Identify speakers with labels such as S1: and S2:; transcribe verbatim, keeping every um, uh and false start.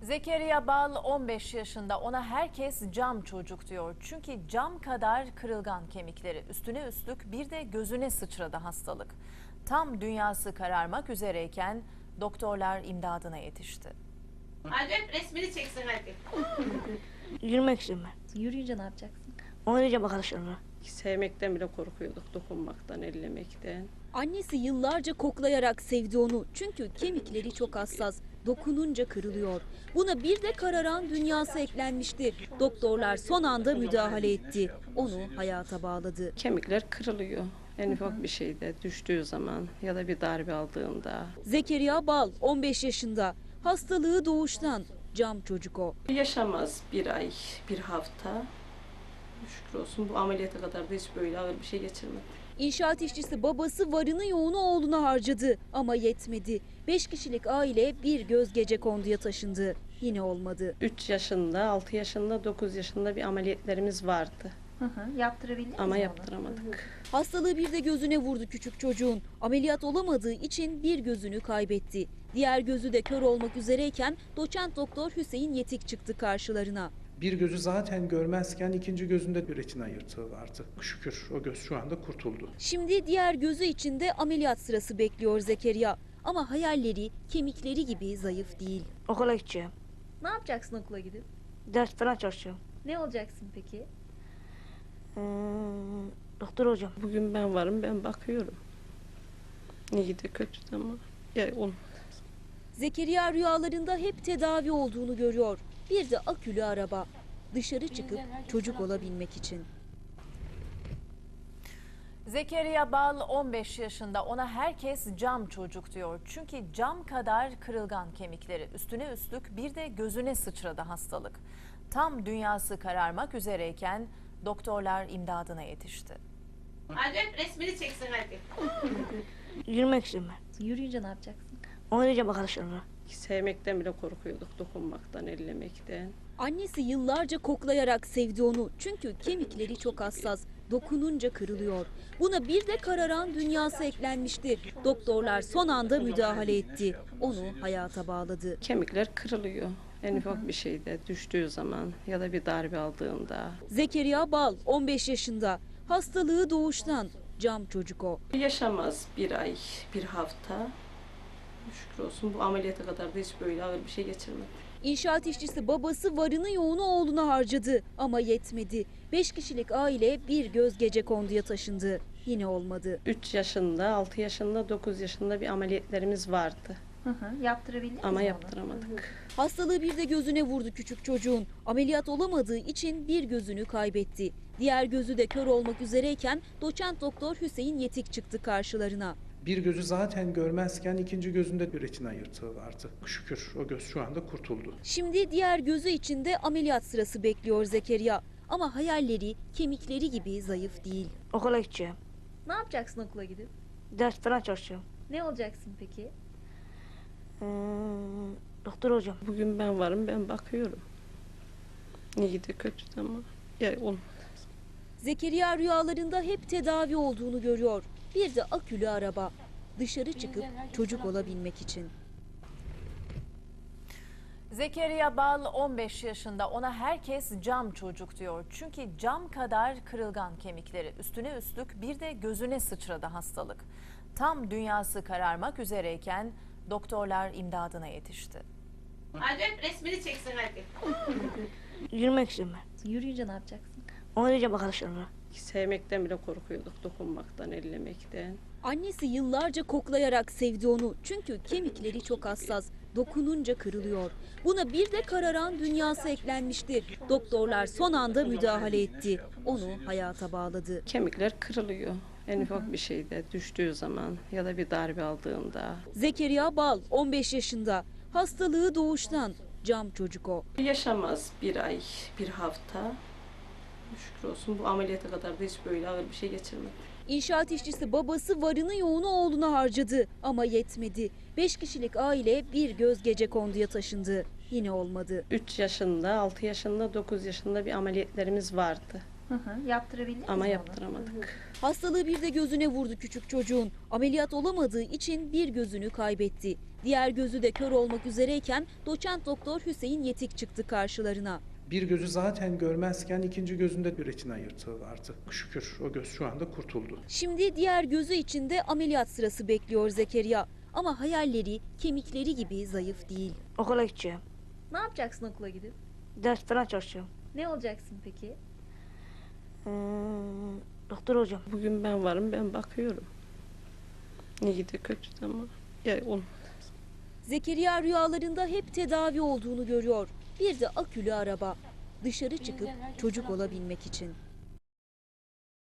S1: Zekeriya Bal on beş yaşında, ona herkes cam çocuk diyor. Çünkü cam kadar kırılgan kemikleri, üstüne üstlük bir de gözüne sıçradı hastalık. Tam dünyası kararmak üzereyken doktorlar imdadına yetişti.
S2: Hadi öp, resmini çeksin hadi.
S3: Yürümek istiyorum ben.
S4: Yürüyünce ne yapacaksın?
S3: Oynayacağım arkadaşlarımla.
S5: Sevmekten bile korkuyorduk, dokunmaktan, ellemekten.
S4: Annesi yıllarca koklayarak sevdi onu. Çünkü kemikleri çok hassas. Dokununca kırılıyor. Buna bir de kararan dünyası eklenmişti. Doktorlar son anda müdahale etti. Onu hayata bağladı.
S5: Kemikler kırılıyor. En ufak bir şeyde düştüğü zaman ya da bir darbe aldığında.
S4: Zekeriya Bal on beş yaşında. Hastalığı doğuştan. Cam çocuk o.
S5: Yaşamaz bir ay, bir hafta. Şükür olsun bu ameliyata kadar da hiç böyle ağır bir şey geçirmedi.
S4: İnşaat işçisi babası varını yoğunu oğluna harcadı ama yetmedi. Beş kişilik aile bir göz gecekonduya taşındı. Yine olmadı.
S5: üç yaşında, altı yaşında, dokuz yaşında bir ameliyatlarımız vardı.
S4: Hı hı, yaptırabildiniz
S5: Ama
S4: mi onu?
S5: yaptıramadık.
S4: Hastalığı bir de gözüne vurdu küçük çocuğun. Ameliyat olamadığı için bir gözünü kaybetti. Diğer gözü de kör olmak üzereyken doçent doktor Hüseyin Yetik çıktı karşılarına.
S6: Bir gözü zaten görmezken ikinci gözünde bir retina yırtığı vardı. Şükür o göz şu anda kurtuldu.
S4: Şimdi diğer gözü için de ameliyat sırası bekliyor Zekeriya. Ama hayalleri kemikleri gibi zayıf değil.
S3: Okula gideceğim.
S4: Ne yapacaksın okula gidip?
S3: Ders falan çalışacağım.
S4: Ne olacaksın peki?
S3: Ee, doktor olacağım.
S5: Bugün ben varım, ben bakıyorum. İyi de kötü de ama ya olmaz.
S4: Zekeriya rüyalarında hep tedavi olduğunu görüyor. Bir de akülü araba. Dışarı çıkıp çocuk olabilmek için.
S1: Zekeriya Bal on beş yaşında, ona herkes cam çocuk diyor. Çünkü cam kadar kırılgan kemikleri, üstüne üstlük bir de gözüne sıçradı hastalık. Tam dünyası kararmak üzereyken doktorlar imdadına yetişti.
S2: Hadi öp, resmini çeksin hadi.
S3: Yürümek istiyorum ben.
S4: Yürüyünce ne yapacaksın?
S3: Oynayacağım arkadaşlarımla.
S5: Sevmekten bile korkuyorduk, dokunmaktan, ellemekten.
S4: Annesi yıllarca koklayarak sevdi onu. Çünkü kemikleri çok hassas. Dokununca kırılıyor. Buna bir de kararan dünyası eklenmişti. Doktorlar son anda müdahale etti. Onu hayata bağladı.
S5: Kemikler kırılıyor. En ufak bir şeyde düştüğü zaman ya da bir darbe aldığında.
S4: Zekeriya Bal on beş yaşında. Hastalığı doğuştan. Cam çocuk o.
S5: Yaşamaz bir ay, bir hafta. Şükür olsun bu ameliyata kadar da hiç böyle ağır bir şey geçirmedi.
S4: İnşaat işçisi babası varını yoğunu oğluna harcadı ama yetmedi. Beş kişilik aile bir göz gecekonduya taşındı. Yine olmadı.
S5: üç yaşında, altı yaşında, dokuz yaşında bir ameliyatlarımız vardı.
S4: Hı hı, yaptırabildiniz
S5: Ama
S4: mi onu?
S5: yaptıramadık.
S4: Hastalığı bir de gözüne vurdu küçük çocuğun. Ameliyat olamadığı için bir gözünü kaybetti. Diğer gözü de kör olmak üzereyken doçent doktor Hüseyin Yetik çıktı karşılarına.
S6: Bir gözü zaten görmezken ikinci gözünde bir retina yırtığı vardı. Şükür o göz şu anda kurtuldu.
S4: Şimdi diğer gözü için de ameliyat sırası bekliyor Zekeriya. Ama hayalleri kemikleri gibi zayıf değil.
S3: Okula gideceğim.
S4: Ne yapacaksın okula gidip?
S3: Ders falan çalışacağım.
S4: Ne olacaksın peki?
S3: Ee, doktor olacağım.
S5: Bugün ben varım, ben bakıyorum. İyi de kötü de ama ya olmaz.
S4: Zekeriya rüyalarında hep tedavi olduğunu görüyor. Bir de akülü araba. Dışarı çıkıp çocuk olabilmek için.
S1: Zekeriya Bal on beş yaşında, ona herkes cam çocuk diyor. Çünkü cam kadar kırılgan kemikleri, üstüne üstlük bir de gözüne sıçradı hastalık. Tam dünyası kararmak üzereyken doktorlar imdadına yetişti.
S2: Hadi öp, resmini çeksin hadi.
S3: Yürümek istiyorum ben.
S4: Yürüyünce ne yapacaksın?
S3: Oynayacağım arkadaşlarımla.
S5: Sevmekten bile korkuyorduk, dokunmaktan, ellemekten.
S4: Annesi yıllarca koklayarak sevdi onu. Çünkü kemikleri çok hassas. Dokununca kırılıyor. Buna bir de kararan dünyası eklenmişti. Doktorlar son anda müdahale etti. Onu hayata bağladı.
S5: Kemikler kırılıyor. En ufak bir şeyde düştüğü zaman ya da bir darbe aldığında.
S4: Zekeriya Bal on beş yaşında. Hastalığı doğuştan. Cam çocuk o.
S5: Yaşamaz bir ay, bir hafta. Şükür olsun bu ameliyata kadar da hiç böyle ağır bir şey geçirmedi.
S4: İnşaat işçisi babası varını yoğunu oğluna harcadı ama yetmedi. Beş kişilik aile bir göz gecekonduya taşındı. Yine olmadı.
S5: üç yaşında, altı yaşında, dokuz yaşında bir ameliyatlarımız vardı.
S4: Hı hı, yaptırabildiniz
S5: Ama
S4: mi onu?
S5: yaptıramadık.
S4: Hastalığı bir de gözüne vurdu küçük çocuğun. Ameliyat olamadığı için bir gözünü kaybetti. Diğer gözü de kör olmak üzereyken doçent doktor Hüseyin Yetik çıktı karşılarına.
S6: Bir gözü zaten görmezken ikinci gözünde bir retina yırtığı vardı. Şükür o göz şu anda kurtuldu.
S4: Şimdi diğer gözü için de ameliyat sırası bekliyor Zekeriya. Ama hayalleri kemikleri gibi zayıf değil.
S3: Okula gideceğim.
S7: Ne yapacaksın okula gidip?
S3: Ders falan çalışacağım.
S7: Ne olacaksın peki?
S3: Ee, doktor olacağım.
S5: Bugün ben varım, ben bakıyorum. İyi de kötü de ama ya olmaz.
S4: Zekeriya rüyalarında hep tedavi olduğunu görüyor. Bir de akülü araba. Dışarı çıkıp çocuk olabilmek için.